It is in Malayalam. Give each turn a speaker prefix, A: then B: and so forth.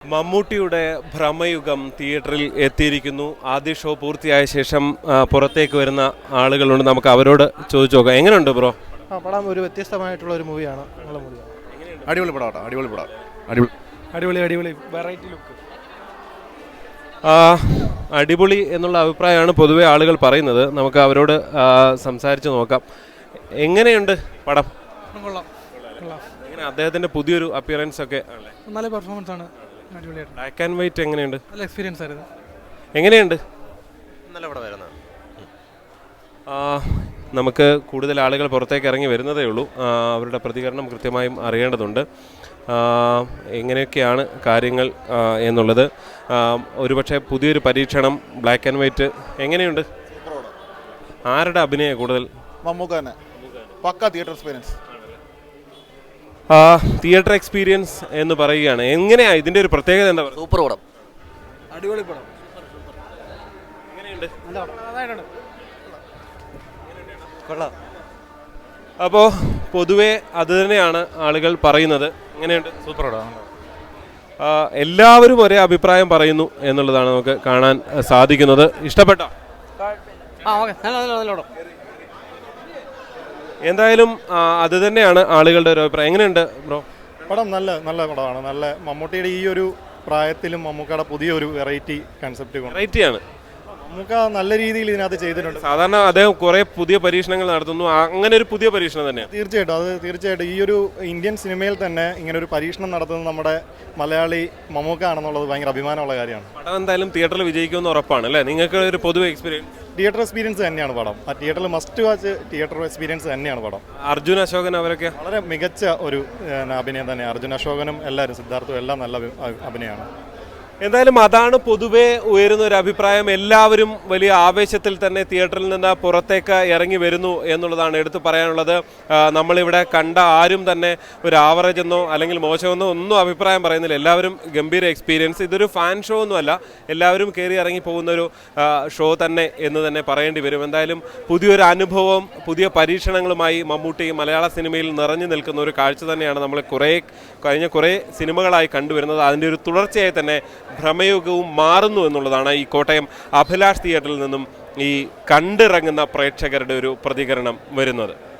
A: മമ്മൂട്ടിയുടെ ഭ്രമയുഗം തിയേറ്ററിൽ എത്തിയിരിക്കുന്നു. ആദ്യ ഷോ പൂർത്തിയായ ശേഷം പുറത്തേക്ക് വരുന്ന ആളുകളുണ്ട്. നമുക്ക് അവരോട് ചോദിച്ചു നോക്കാം. എങ്ങനെയുണ്ട് ബ്രോ?
B: പടം ഒരു വ്യത്യസ്തമായിട്ടുള്ള ഒരു മൂവിയാണ്. നല്ല മൂവിയാണ്.
C: അടിപൊളി പടം. അടിപൊളി പടം.
B: അടിപൊളി വെറൈറ്റി ലുക്ക്.
A: അടിപൊളി എന്നുള്ള അഭിപ്രായമാണ് പൊതുവെ ആളുകൾ പറയുന്നത്. നമുക്ക് അവരോട് സംസാരിച്ച് നോക്കാം. എങ്ങനെയുണ്ട് പടം? എങ്ങനെ അദ്ദേഹത്തിന്റെ പുതിയൊരു അപ്പിയറൻസ് ഒക്കെ?
B: നല്ല പെർഫോമൻസ് ആണ്. അടിപൊളിയായിട്ട്.
A: ബ്ലാക്ക് ആൻഡ് വൈറ്റ് എങ്ങനെയുണ്ട്?
B: നല്ല എക്സ്പീരിയൻസ് ആയിരുന്നു.
A: എങ്ങനെയുണ്ട്?
C: നല്ല പടമായിരുന്നു.
A: നമുക്ക് കൂടുതൽ ആളുകൾ പുറത്തേക്ക് ഇറങ്ങി വരുന്നതേ ഉള്ളൂ. അവരുടെ പ്രതികരണം കൃത്യമായും അറിയേണ്ടതുണ്ട്. എങ്ങനെയൊക്കെയാണ് കാര്യങ്ങൾ എന്നുള്ളത്. ഒരുപക്ഷെ പുതിയൊരു പരീക്ഷണം ബ്ലാക്ക് ആൻഡ് വൈറ്റ് എങ്ങനെയുണ്ട്? ആരുടെ അഭിനയം കൂടുതൽ?
C: മമ്മൂക്കാനെ. പക്ക തിയേറ്റർ എക്സ്പീരിയൻസ്.
A: തിയേറ്റർ എക്സ്പീരിയൻസ് എന്ന് പറയുകയാണ്. എങ്ങനെയാ ഇതിന്റെ ഒരു പ്രത്യേകത? എന്താ പറയുക?
D: സൂപ്പർ പടം.
B: അടിപൊളി പടം.
A: എങ്ങനെയുണ്ട്?
B: കൊള്ളാം.
A: അപ്പോൾ പൊതുവെ അത് തന്നെയാണ് ആളുകൾ പറയുന്നത്. എങ്ങനെയുണ്ട്?
C: സൂപ്പർ പടം.
A: എല്ലാവരും ഒരേ അഭിപ്രായം പറയുന്നു എന്നുള്ളതാണ് നമുക്ക് കാണാൻ സാധിക്കുന്നത്. ഇഷ്ടപ്പെട്ടോ? എന്തായാലും അത് തന്നെയാണ് ആളുകളുടെ ഒരു അഭിപ്രായം. എങ്ങനെയുണ്ട് ബ്രോ?
E: പടം നല്ല പടമാണ്. നല്ല മമ്മൂട്ടിയുടെ ഈ ഒരു പ്രായത്തിലും മമ്മൂക്കയുടെ പുതിയൊരു വെറൈറ്റി കൺസെപ്റ്റ്.
A: വെറൈറ്റിയാണ്.
E: മമ്മൂക്ക നല്ല രീതിയിൽ ഇതിനകത്ത് ചെയ്തിട്ടുണ്ട്.
A: സാധാരണ അദ്ദേഹം കുറെ പുതിയ പരീക്ഷണങ്ങൾ നടത്തുന്നു. അങ്ങനെ ഒരു പുതിയ പരീക്ഷണം തന്നെയാണ്.
E: തീർച്ചയായിട്ടും ഈ ഒരു ഇന്ത്യൻ സിനിമയിൽ തന്നെ ഇങ്ങനെ ഒരു പരീക്ഷണം നടത്തുന്നത് നമ്മുടെ മലയാളി മമ്മൂക്ക ആണെന്നുള്ളത് ഭയങ്കര അഭിമാനമുള്ള കാര്യമാണ്.
A: പടം എന്തായാലും തിയേറ്ററിൽ വിജയിക്കുമെന്ന് ഉറപ്പാണ് അല്ലേ? നിങ്ങൾക്ക് ഒരു പൊതുവെ എക്സ്പീരിയൻസ്?
E: തിയേറ്റർ എക്സ്പീരിയൻസ് തന്നെയാണ് പടം. ആ തിയേറ്ററിൽ മസ്റ്റ് വാച്ച് തിയേറ്റർ എക്സ്പീരിയൻസ് തന്നെയാണ് പടം.
A: അർജുൻ അശോകൻ അവരൊക്കെ
E: വളരെ മികച്ച ഒരു അഭിനയം തന്നെ. അർജുൻ അശോകനും എല്ലാവരും, സിദ്ധാർത്ഥും എല്ലാം നല്ല അഭിനയമാണ്.
A: എന്തായാലും അതാണ് പൊതുവെ ഉയരുന്ന ഒരു അഭിപ്രായം. എല്ലാവരും വലിയ ആവേശത്തിൽ തന്നെ തിയേറ്ററിൽ നിന്ന് പുറത്തേക്ക് ഇറങ്ങി വരുന്നു എന്നുള്ളതാണ് എടുത്തു പറയാനുള്ളത്. നമ്മളിവിടെ കണ്ട ആരും തന്നെ ഒരു ആവറേജ് എന്നോ അല്ലെങ്കിൽ മോശമെന്നോ ഒന്നും അഭിപ്രായം പറയുന്നില്ല. എല്ലാവരും ഗംഭീര എക്സ്പീരിയൻസ്. ഇതൊരു ഫാൻ ഷോ ഒന്നുമല്ല, എല്ലാവരും കയറി ഇറങ്ങി പോകുന്നൊരു ഷോ തന്നെ എന്ന് തന്നെ പറയേണ്ടി വരും. എന്തായാലും പുതിയൊരു അനുഭവം, പുതിയ പരീക്ഷണങ്ങളുമായി മമ്മൂട്ടി മലയാള സിനിമയിൽ നിറഞ്ഞു നിൽക്കുന്ന ഒരു കാഴ്ച തന്നെയാണ് നമ്മൾ കഴിഞ്ഞ കുറേ സിനിമകളായി കണ്ടുവരുന്നത്. അതിൻ്റെ ഒരു തുടർച്ചയായി തന്നെ ഭ്രമയുഗവും മാറുന്നു എന്നുള്ളതാണ് ഈ കോട്ടയം അഭിലാഷ് തിയേറ്ററിൽ നിന്നും ഈ കണ്ടിറങ്ങുന്ന പ്രേക്ഷകരുടെ ഒരു പ്രതികരണം വരുന്നത്.